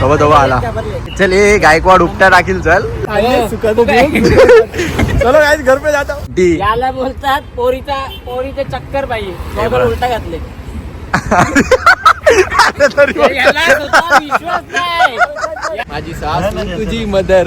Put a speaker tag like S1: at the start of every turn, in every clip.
S1: तवा तवा आला. चल ए गायकवाड उपटा टाकील चल. चलो गाइस घर पे जाता हूं.
S2: याला बोलतात पोरीचे चक्कर पाहिजे. उलटा घातले. विश्वास नाही.
S1: माझी सास तुझी मदर.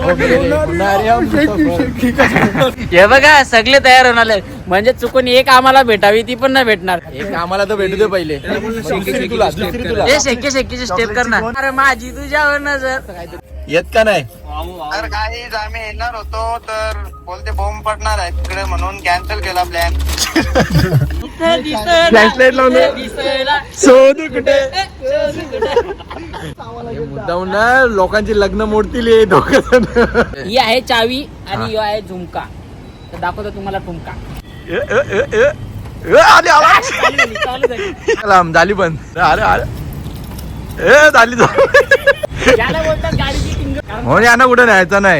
S2: हे बघा सगळे तयार होणार म्हणजे चुकून एक आम्हाला भेटावी ती पण नाही भेटणार.
S1: एक आम्हाला तर भेटू दे पहिले.
S2: हे शेक्कीचे स्टेप करणार. अरे माझी तुझ्यावर नजर
S1: येत का नाही.
S3: तर काहीच आम्ही येणार होतो तर बोलते बॉम्ब पडणार आहे तिकडे म्हणून कॅन्सल केला प्लॅन.
S1: फ्लॅशलाईट लावलं. शोधू कुठे मुद्दाम ना लोकांची लग्न मोडतील हे दोघं.
S2: ही आहे चावी आणि ही आहे झुमका. तर दाखवतो तुम्हाला ठुमका.
S1: झाली बंद. अरे अरे झाली
S2: याला बोलतात गाडीची किंग.
S1: म्हणून यांना कुठे न्यायचं नाही.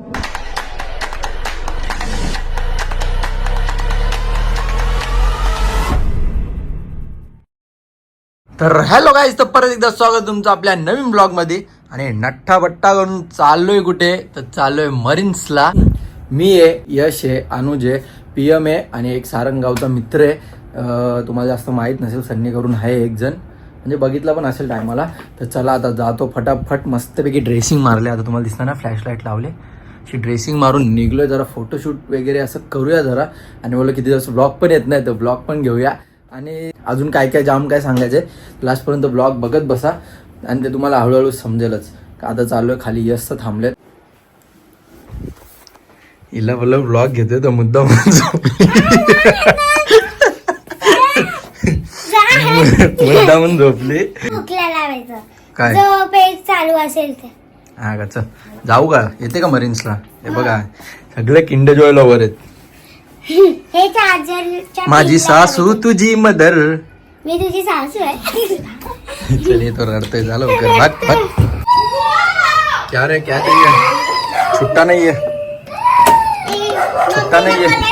S1: तर हॅलो गाईज, तर परत एकदा स्वागत तुमचं आपल्या नवीन ब्लॉग मध्ये. आणि नठ्ठा बट्टा करून चाललोय कुठे तर चाललोय मरीन्सला. मी आहे, यश आहे, अनुज आहे, PM आहे आणि एक सारंगगावचा मित्र आहे. तुम्हाला जास्त माहीत नसेल, सन्नी करून आहे एक जण, म्हणजे बघितला पण असेल टायमाला. तर चला आता जातो फटाफट. मस्तपैकी ड्रेसिंग मारले. आता तुम्हाला दिसणार ना फ्लॅशलाईट लावले. अशी ड्रेसिंग मारून निघलोय. जरा फोटोशूट वगैरे असं करूया जरा. आणि बोललो किती दिवस ब्लॉग पण येत नाही तर ब्लॉग पण घेऊया. आणि अजून काय काय जाम काय सांगायचं आहे. लास्टपर्यंत ब्लॉग बघत बसा आणि ते तुम्हाला हळूहळू समजेलच. का आता चालू आहे खाली. यश तर थांबलेत. हिला बोललो ब्लॉग घेतोय तर मुद्दा मुद्दामून झोपली. काय
S4: चालू असेल ते.
S1: हा का, चल जाऊ का. येते का मरीन्सला. हे बघा सगळे किंड जॉय लवर आहेत.
S4: हे चार्जर.
S1: माझी सासू तुझी मदर.
S4: मी तुझी सासू आहे.
S1: चल ये तो रडतोय. झालं कर भाग भाग. क्या रे क्या चाहिए. छुट्टा नहीं है. छुट्टा नहीं है.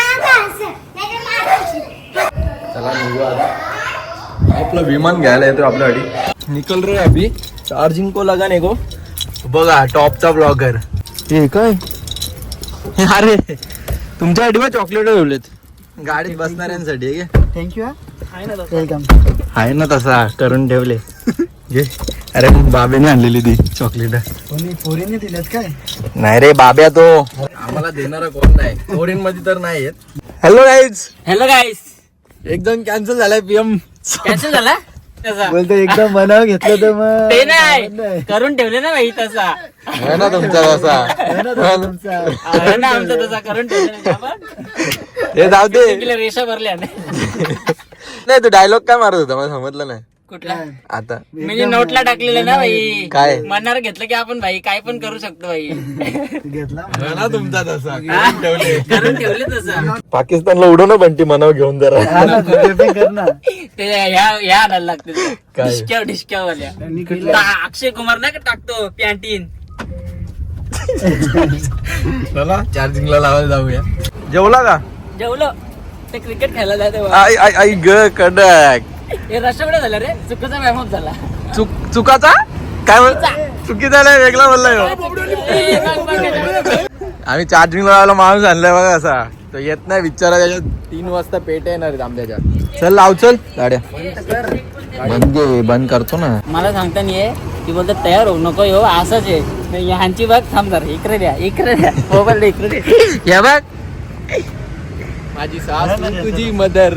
S1: चला निघू आता. आपलं विमान घ्यायला येतो आपल्यासाठी. निकल रे अभी. चार्जिंग को लगाने को. बघा टॉपचा ब्लॉगर. हे काय. अरे तुमच्यासाठी मग चॉकलेट ठेवलेत गाडीत बसणाऱ्यांसाठी.
S4: थँक्यू.
S1: वेलकम. आहे ना तसा करून ठेवले. घे. अरे बाबेने आणलेली ती चॉकलेट.
S4: पोरीने दिल्यात काय.
S1: नाही रे बाब्या तो. आम्हाला देणारा कोण नाही. फोरेन मध्ये तर नाही येत. Hello guys. एकदम कॅन्सल झालाय PM.
S2: कॅन्सल झाला.
S4: बोलतो एकदम मनावर घेतलं तर मग
S2: ते नाही करून ठेवले ना भाई तसा.
S1: आहे ना तुमचा तसा.
S2: आहे ना आमचा तसा करून ठेवले.
S1: हे जाऊ दे.
S2: रेषा भरल्या
S1: नाही तू डायलॉग काय मारत होता मला समजलं नाही.
S2: कुठला
S1: आता
S2: म्हणजे नोटला टाकलेलं ना भाई.
S1: काय
S2: मनावर घेतलं की आपण भाई काय पण करू शकतो भाई.
S1: ना तुमचा तसा
S2: करून ठेवले तसं.
S1: पाकिस्तानला उडव ना बंटी मनावर घेऊन जरा.
S2: ते ह्या आणायला लागते
S1: काय
S2: डिस्क्यावाल्या. अक्षय कुमार नाही का टाकतो पॅन्टीन.
S1: चला चार्जिंगला लावायला जाऊया. जेवला का.
S2: जेवलो. ते क्रिकेट खेळायला जाते.
S1: आई ग कडक.
S2: हे रस्त्याकडे झालं रे. चुकीचा व्यायाम झाला.
S1: चुकाचा काय चुकी झालाय वेगळा बोललाय. आम्ही चार्जिंग लावायला माणूस आणलाय बघा असा. तो येत नाही बिचारा. त्याच्यात 3 वाजता पेट येणार आहेत आंब्याच्या. चल लाव चल गाड्या. बंद करतो ना.
S2: मला सांगता नाहीये. ती बोलतात तयार होऊ नको. हो असंच आहे ह्यांची बघ. थांब जरा इकडे द्या मोबाईल इकडे द्या. या बघ
S1: माझी सास तुझी मदर.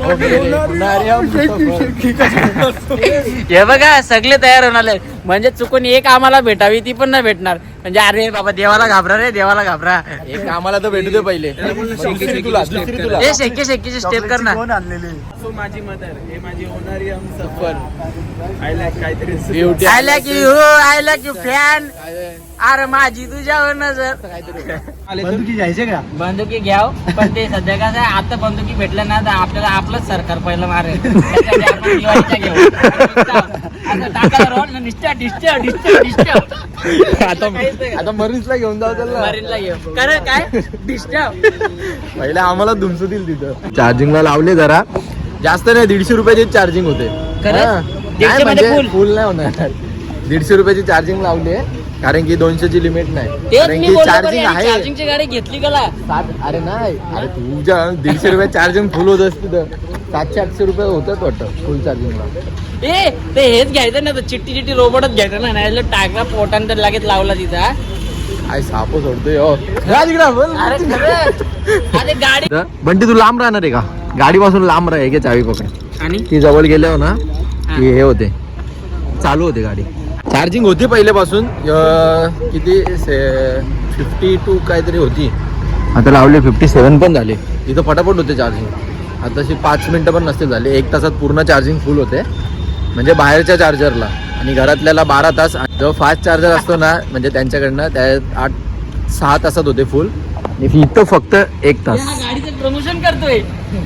S2: हे बघा सगळे तयार होणार म्हणजे चुकून एक आम्हाला भेटावी ती पण नाही भेटणार. म्हणजे अरे बाबा देवाला घाबरा रे. देवाला घाबरा.
S1: एक आम्हाला तर भेटू दे पहिले.
S2: हे शेक्कीचे स्टेप करणार.
S1: माझी मदर. हे माझी होणारी सफर.
S2: I like you fan. अरे माझी तुझ्यावर नजर.
S4: बंदुकी घ्यायचे का.
S2: बंदुकी घ्याव पण ते सध्या कसं आहे आता बंदुकी भेटलं ना तर आपल्याला आपलंच सरकार पहिलं मारेल. आपण दिवाळीच्या घेऊ.
S1: आता मरीन्सला घेऊन जाऊ त्याला.
S2: मरीनला घेऊ. कारण काय डिस्टर्ब.
S1: पहिले आम्हाला धुमसतील तिथं. चार्जिंगला लावले जरा. जास्त नाही 150 रुपयाची चार्जिंग होते.
S2: खरं?
S1: हा.
S2: 150 मध्ये
S1: म्हणजे
S2: full?
S1: फुल नाही होणार. 150 रुपयाची चार्जिंग लावली आहे कारण की 200ची लिमिट नाही.
S2: तेच
S1: कारण
S2: मी
S1: की
S2: बोलतो
S1: चार्जिंग आहे
S2: चार्जिंगची गाडी घेतली का
S1: 7. अरे नाही, अरे तुझ्या 150 रुपये चार्जिंग फुल होत असते तर 700-800 रुपये होतात वाटतं फुल चार्जिंगला.
S2: ए ते हेच घ्यायचं ना, चिट्टी रोबोटच घ्यायचं ना, नाही टाकला पोटान तर लगेच लावला तिचा.
S1: काय सापो सोडतोय हो. जा तिकडं, बोल.
S2: अरे खरंच. अरे गाडी
S1: बंटी तू लांब राहणार आहे का? गाडीपासून लांब राह, एक चावी पकड.
S2: आणि
S1: ती जवळ गेल्यावर ना की हे होते, चालू होते गाडी. चार्जिंग होती पहिल्यापासून किती 52 काहीतरी होती, आता लावले 57 पण झाले. इथं फटाफट होते चार्जिंग. आता 5 मिनटं पण नसते झाले, 1 तासात पूर्ण चार्जिंग फुल होते म्हणजे बाहेरच्या चार्जरला. आणि घरातल्याला 12 तास. जो फास्ट चार्जर असतो ना म्हणजे त्यांच्याकडनं त्या 8-6 तासात होते फुल. इथं फक्त 1 तास.
S2: गाडीचं प्रमोशन करतोय.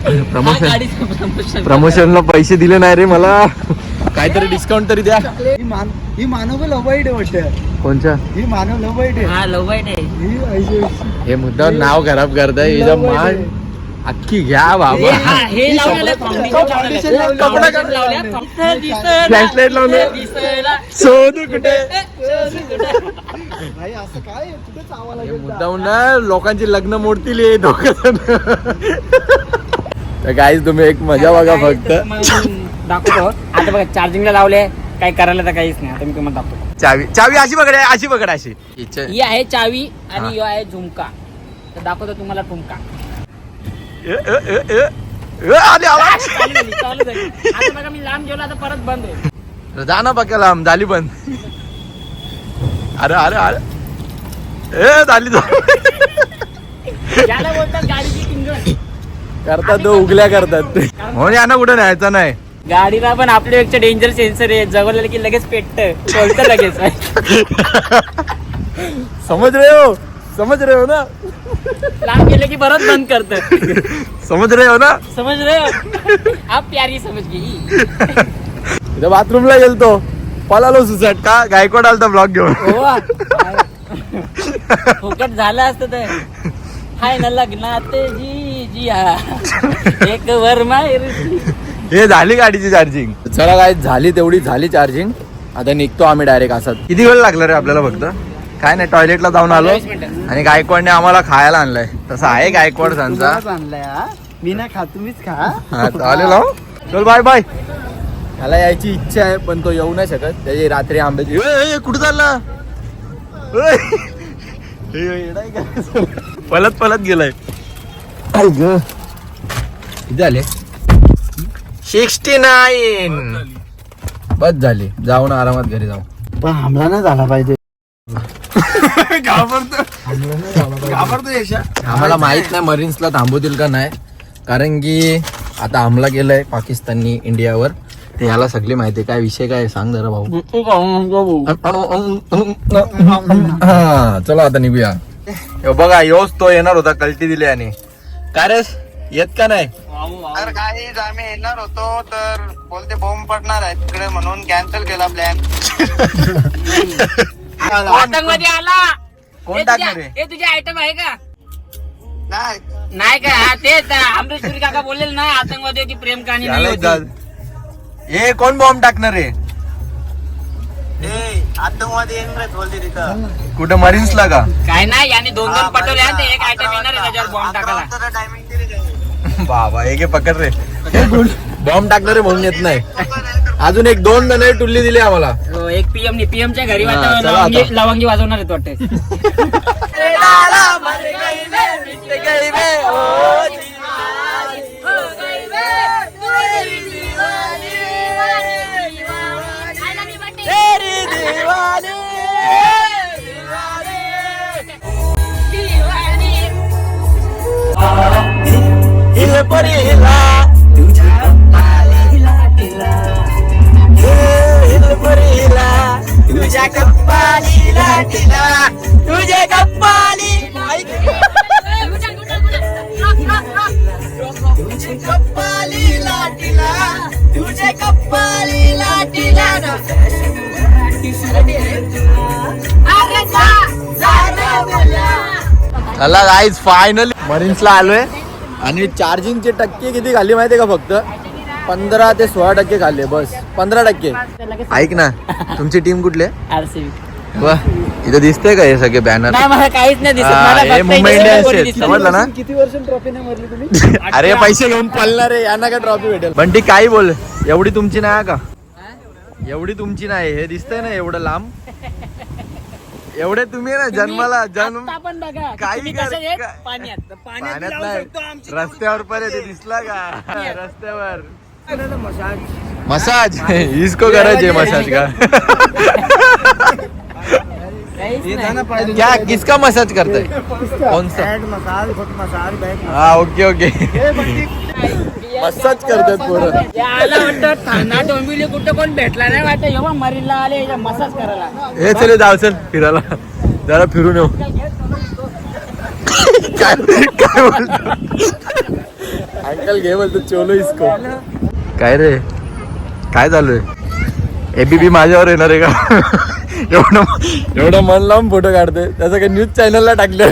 S1: प्रमोशनला पैसे दिले नाही रे मला. काहीतरी डिस्काउंट तरी द्या.
S4: ही मानव लवाईट आहे वाटतं.
S1: कोणच्या?
S4: ही मानव लवाईट आहे.
S2: हा लव वाईट आहे.
S4: ही ऐशी-
S1: हे मुद्दा नाव खराब करताय. हिचं मान अख्खी घ्या बाबा.
S2: हे लावलेलं
S4: Foundation लावलं.
S1: फ्लॅशलाईट लावलं. शोधू कुठे?
S4: भाई असं काय आहे? कुठेच आवाज
S1: हे मुद्दाहून ना लोकांची लग्न मोडतील हे दोघं जण. तर गाईज तुम्ही एक मजा बघा फक्त.
S2: दाखवतो आता बघा, चार्जिंगला लावले, काही करायला तर काहीच नाही. आता मी तुम्हाला दाखवतो.
S1: चावी अशी पकड, अशी पकड, अशी.
S2: ही आहे चावी आणि ही आहे झुमका. तर दाखवतो तुम्हाला ठुमका.
S1: आले आवाज.
S2: चालू झाली. आता बघा मी लांब जेवला, आता परत बंद होईल.
S1: जा ना बघा लांब, झाली बंद. अरे अरे अरे झाली
S2: याला बोलतात गाडीची किंजळ.
S1: करतात तो उगल्या करतात ते. म्हणून यांना कुठं न्यायचं नाही.
S2: गाडीला पण आपल्यापेक्षा डेंजर सेन्सर आहे. जवळ की लगेच पेटतं, बोलतं लगेच.
S1: समज रहे हो ना.
S2: लांब गेले की परत बंद करतं.
S1: समज रहे हो ना.
S2: समज रहे हो? आप प्यारी समज गई.
S1: इथं बाथरूमला गेलतो, पळालो सुसाट का गायकवाड आलता ब्लॉग घेऊन.
S2: हो फुकट झालं असतं तर. हाय ना लग्नात जी हा एक वर माहेरची.
S1: हे झाली गाडीची चार्जिंग. चला काय झाली, तेवढी झाली चार्जिंग. आता निघतो आम्ही डायरेक्ट. असा किती वेळ लागला रे आपल्याला? फक्त काय नाही, टॉयलेटला जाऊन आलो
S2: 20 मिनिटं.
S1: आणि गायकवाडने आम्हाला खायला आणलाय. तसं आहे गायकवाड सांचा.
S4: आणलाय हा. मी नाही खा, तुम्हीच खा.
S1: हा चालेल हो. चल बाय बाय. त्याला यायची इच्छा आहे पण तो येऊ नाही शकत. त्याची रात्री आंब्याची. कुठं चालला? पलत गेलाय. किती झाले? 69. बस झाली. जाऊ ना आरामात घरी जाऊ.
S4: पण हमला नाही झाला पाहिजे.
S1: आम्हाला माहित नाही मरीन्सला थांबवतील का नाही, कारण की आता हमला केलाय पाकिस्ताननी इंडियावर. ते ह्याला सगळी माहिती. काय विषय काय सांग जरा भाऊ. हा चला आता निघूया. बघा योच तो येणार होता, कल्टी दिली आणि काय रे येत का नाही?
S3: तर काहीच आम्ही येणार होतो तर बोलते बॉम्ब पडणार आहे तिकडे म्हणून कॅन्सल केला प्लॅन.
S2: आतंकवादी आला.
S1: कोण टाकणार आहे?
S2: हे तुझे आयटम आहे का?
S3: नाही
S2: नाही का? हा तेच अमरीश पुरी काका बोललेल ना, आतंकवादी होती, प्रेम कहाणी नाही होती.
S1: हे कोण बॉम्ब टाकणार आहे?
S3: आतंकवादी येणार बोलते तिथं.
S1: कुठं मरीन्सला का?
S2: काय नाही, याने 2 पटवले आणि एक आयटम येणार आहे त्याच्यावर बॉम्ब टाकायला.
S3: टायमिंग दिली त्यांनी.
S1: बाबा एक पकड रे. बॉम्ब टाकणार आहे म्हणून येत नाही. अजून 1-2 जण टुल्ली दिली आम्हाला.
S2: हो, एक PM च्या घरी
S1: हा, चला आता.
S2: लवंगी वाजवणार आहेत वाटते.
S1: चला गाईज फायनली मरीन्सला आलोय आणि चार्जिंगची टक्के किती खाली माहितीये का? फक्त 15 ते 16% खाल्ले बस. 15%. ऐक ना, तुमची टीम कुठली आहे?
S2: आरसीबी.
S1: वा, इथं दिसतंय का हे सगळे बॅनर?
S2: नाही मला काहीच नाही दिसत.
S1: हा,
S2: मला
S1: हे
S2: फक्त
S1: मुंबई
S2: इथे
S1: इंडियन्स
S2: कोणी
S1: आहेत,
S2: दिसलं
S1: समजलं ना?
S4: किती वर्ष ट्रॉफी नाही मारली तुम्ही?
S1: अरे पैसे घेऊन पळणार आहे, यांना काय ट्रॉफी भेटेल? बंटी काही बोल, एवढी तुमची नाही का? एवढी तुमची नाही. हे दिसतंय ना एवढं लांब, एवढे तुम्ही ना जन्माला जन्म
S2: आता पण बघा
S1: काही
S2: तुम्ही
S1: कर-
S2: कसे आहेत?
S1: का-
S2: पाण्यात
S1: पाण्यात नाही, रस्त्यावर पण आहे ते दिसला का? रस्त्यावर मसाज इसको करायचे मसाज का?
S2: काहीच नाही.
S1: क्या किसका मसाज करते? कौन सा?
S4: मसाज, फुट मसाज, बॅक
S1: हा, ओके ओके. मसाज करतात पोरं.
S2: याला वाटतं ठाणा डोंबिवली कुठं कोण भेटला नाही वाटतं. एव्हा मरीनला आले मसाज करायला.
S1: हे चले जाऊ चल फिरायला, जरा फिरून येऊ. काय काय बोलतो अंकल? घे बोलतो चोलो इसको. काय रे, काय चालू आहे? एबीपी माझ्यावर येणार आहे का? एवढं मन लावून फोटो काढते, त्याचं काही न्यूज चॅनलला टाकलं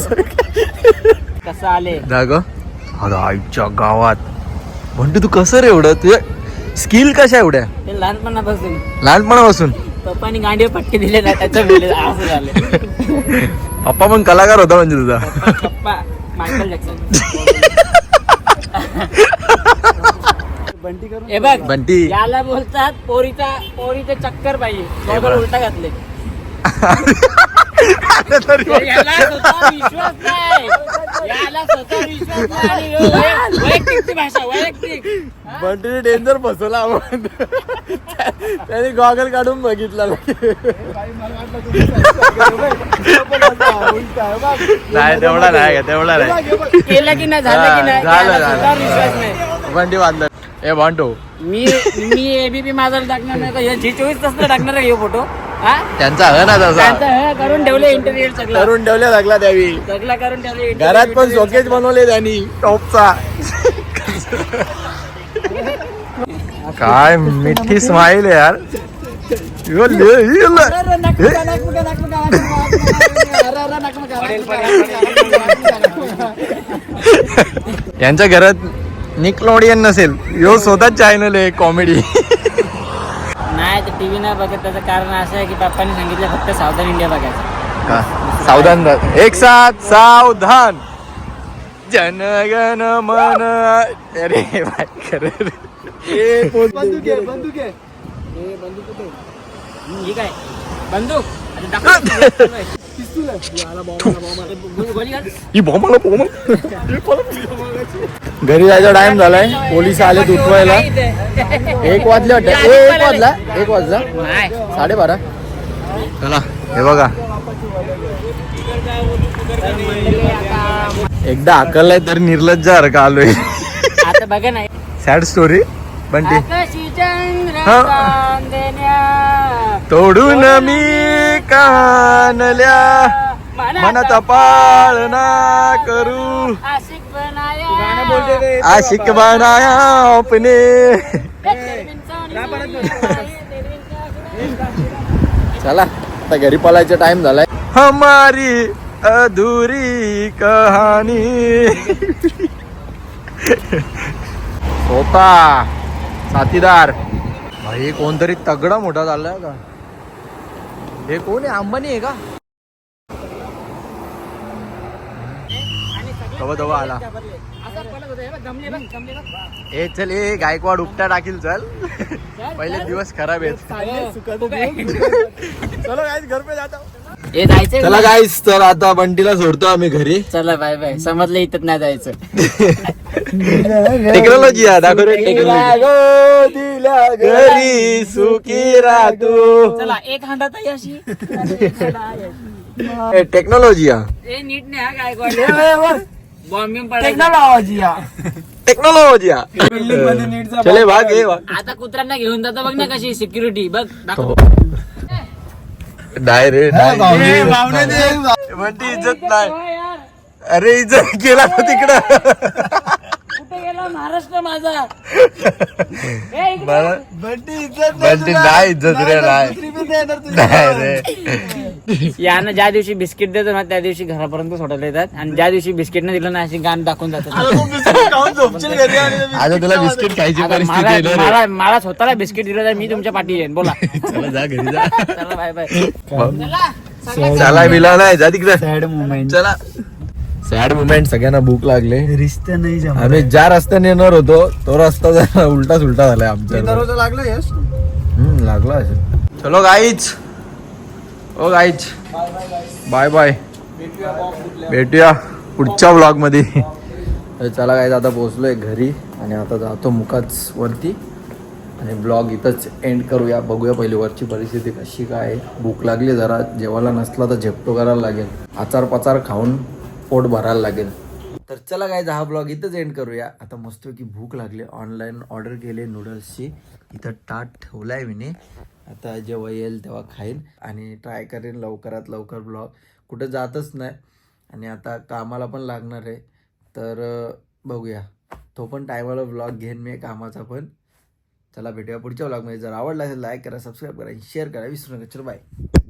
S2: कसं आले
S1: जाग. अरे आईच्या गावात म्हणतो तू कसं रे एवढं, तुझ्या स्किल कशा एवढ्या
S2: ते लहानपणापासून
S1: लहानपणापासून?
S2: पप्पानी गांडीवर पट्टी दिले ना त्याचं मुले असं झालं.
S1: पप्पा पण कलाकार होता म्हणजे तुझा.
S2: पप्पा मायकल जॅक्सन.
S4: बंटी करून
S2: हे बघ
S1: बंटी.
S2: याला बोलतात पोरीचे चक्कर पाहिजे. गॉगल उलटा घातले. याला स्वतः विश्वास नाही. याला स्वतः विश्वास नाही. आणि ह्यो वैयक्तिकची भाषा वैयक्तिक.
S1: बंटीने डेंजर फसवला आपण. त्याने गॉगल काढून बघितला नाही, तेवढा नाही, तेवढा नाही.
S2: केलं की नाही झालं की नाही
S1: झालं,
S2: याला
S1: झालं.
S2: स्वतःवर विश्वास नाही.
S1: बंटी बांधला. ए बंटो,
S2: मी एबीपी माझा टाकणार नाही का? झी 24 तास टाकणार आहे फोटो. हा
S1: त्यांचा ह ना तसा
S2: त्यांचं हे करून ठेवले इंटरव्ह्यू सगळं
S1: करून ठेवल्या लागला त्यावी.
S2: सगळं करून ठेवले.
S1: घरात पण शोकेज बनवले त्यांनी टॉपचा. काय मिठी स्माईल आहे यार. यांच्या घरात निकलोडियन नसेल, यो स्वतःच चॅनल आहे कॉमेडी.
S2: नाही तर टीव्ही नाही बघत. त्याचं कारण असं आहे की पप्पांनी सांगितलं फक्त सावधान इंडिया बघायचं.
S1: सावधान, एक साथ सावधान, जनगण मन. अरे भाई खरं.
S4: बंदूक आहे, बंदूक आहे.
S2: ठीक आहे बंदूक. आता दाखव.
S4: पिस्तूल आहे.
S2: गोळी घाल.
S1: ही बॉम्ब घरी जायचा टाइम झालाय. पोलीस आले उठवायला. 1 वाजले वाटतं. 1 वाजला
S2: नाही.
S1: 12:30. चला हे बघा, एकदा अकललाय तर निर्लज्जासारखा आलोय.
S2: आता बघा नाही.
S1: Sad story Bunty.
S2: आकाशी चंद्र
S1: हा.
S2: चांदण्या
S1: तोडून मी कानल्या मनाचा पाळना करू,
S2: आशिक बनाया.
S1: आशिक बनाया आपने. चला आता घरी पळायचा टाइम झालाय. हमारी अधुरी कहाणी. स्वतः साथीदार भाई कोणतरी तगडा मोठा झालाय का? हे कोण आहे? अंबानी आहे का? तवा आला. ए चल, ए गायकवाड उपटा टाकील. चल पहिले दिवस खराब आहेत. चलो गाईस घर पे जाता.
S2: हे जायचंय.
S1: चला गाईस, तर आता बंटीला सोडतो आम्ही घरी.
S2: चला बाय बाय. समजलं इथं नाही जायचं.
S1: टेक्नॉलॉजी आहे, दाखव रे टेक्नॉलॉजी. घरी सुखी राहतो.
S2: चला एक हांडा तर अशी
S1: टेक्नॉलॉजी आहे.
S2: ए नीट नाही हा गायकवाड. बॉम्बिंग पडायचं.
S1: टेक्नॉलॉजी चले भाग ये भाग.
S2: आता कुत्र्यांना घेऊन जातो बघ ना कशी सिक्युरिटी बघ. दाखव.
S1: डाय रे डाय.
S4: भावने
S1: बंटी इज्जत नाही.
S2: हो यार,
S1: अरे इज्जत केला ना तिकडं.
S2: कुठे गेला महाराष्ट्र माझा? ए, इकडे.
S4: बंटी इज्जत
S1: बंटी नाही इज्जत रे, नाही
S4: दुसरी पण देणार तुझी.
S1: नाही रे.
S2: यानं ज्या दिवशी बिस्किट देतो ना त्या दिवशी घरापर्यंत सोडायला येतात आणि ज्या दिवशी बिस्किट नाही दिलं ना अशी गाण दाखवून जातात.
S1: आता तुला बिस्किट खायची
S2: आता
S1: परिस्थिती आहे ना रे.
S2: मला स्वतःला बिस्किट दिलं तर मी तुमच्या पाठी येईन. बोला
S1: चला जा घरी जा.
S2: चला बाय बाय.
S1: चला बिला नाही जा तिकडे.
S4: Sad moment.
S1: चला सॅड मुमेंट. सगळ्यांना भूक लागले.
S4: रिश्ता नाही जमा.
S1: आम्ही ज्या रस्त्याने येणार होतो तो रस्ता जरा उलटा सुलटा झालाय आमच्या.
S4: दरवाजा लागला यश.
S1: लागला असेल. चलो गाईच. ओ गाईच बाय बाय. भेटूया पुढच्या व्लॉग मध्ये. तर चला गाईज आता पोहोचलोय घरी आणि आता जातो मुकाच वरती आणि ब्लॉग इथंच एंड करूया. बघूया पहिली वरची परिस्थिती कशी काय आहे. भूक लागली जरा. जेवायला नसला तर झेपटो करायला लागेल. आचार पाचार खाऊन पोट भरायला लागेल. तर चला गाईज हा ब्लॉग इथंच एंड करूया. आता मस्तपैकी भूक लागली. ऑनलाईन ऑर्डर केले नूडल्सची. इथं ताट ठेवलाय मी. आता जेव्हा येईल तेव्हा खाईन आणि ट्राय करेन लवकरात लवकर ब्लॉग. कुठे जातच नाही आणि आता कामाला पण लागणार आहे. तर बघूया तो पण टायमाला ब्लॉग घेईन मी कामाचा पण. चला भेटूया पुढच्या ब्लॉगमध्ये. जर आवडला असेल लाईक करा, सबस्क्राईब करा, शेअर करा विसरू नका. चल बाय.